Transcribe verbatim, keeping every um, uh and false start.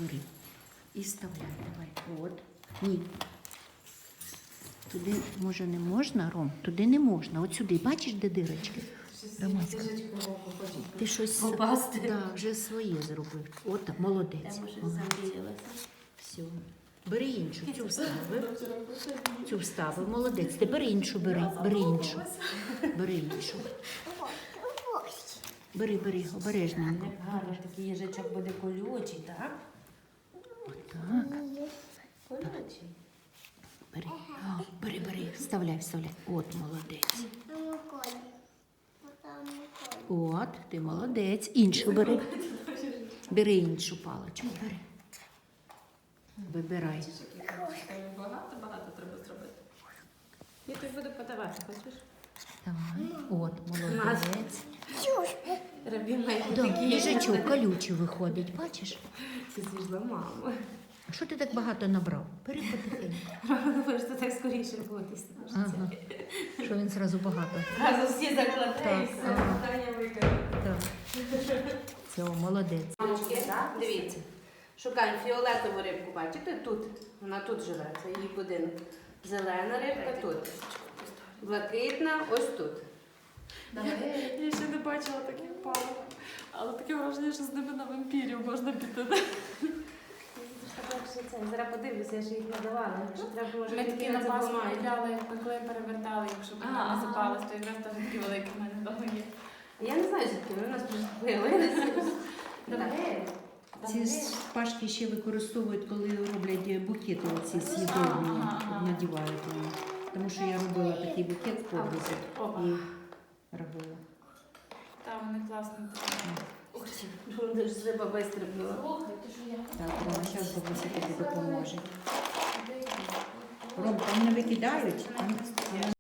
бери. І вставляй, давай. От. Ні. Туди, може, не можна, Ром? Туди не можна. От сюди. Бачиш, де дирочки? Романська. Ти щось попасти. Да, вже своє зробив. От так, молодець. Я може Ага. замріялася. Все. Бери іншу, цю вставив. Цю вставив, молодець. Ти бери іншу, бери, бери іншу. Бери іншу. Бери, бери, обережненько. Як гарно, такий їжачок буде колючий, так? Отак. Колючий. Бери. О, бери, бери. Вставляй, вставляй. От, молодець. От, ти молодець. Іншу бери. Бери іншу паличку, бери. Вибирай. Багато-багато треба зробити. Я тобі буду подавати, хочеш? Давай. От, молодець. Рабі має Да, такі їжачок колючий виходить, бачиш? Ти з'їжджала маму. А що ти так багато набрав? Бери потихеньку. Думаєш, що так скоріше буде. Ага. Що він зразу багато. Зразу всі закладе Так, і все, ага. питання виконано. Так. Все, молодець. Мамочки, дивіться. Шукаємо фіолетову рибку, бачите? Тут. Вона тут живе, це її будинок. Зелена рибка тут. Блакитна ось тут. Я ще не бачила таких палок, але таке враження, що з ними на вампірів можна піти. Зараз подивлюся, я ж їх надавала. Якщо треба, може, Ми такі такі на не Пасху забувають. купляли, коли перевертали, якщо б А, вона не ага. запалась, то якраз теж такі великі в мене вдома є. Я не знаю, звідки вони у нас з'явилися. Добре. Ці пашки ще використовують, коли роблять букети оці слідовні, Ага, ага. надівають вони. Тому що я робила такий букет в погрузі Опа. і робила. Та вони класні. Ух ти, вони ж риба вистрибнула. Слухай, ти що я? Так, Рома, зараз бабуся тобі допоможе. Ром, там не викидають?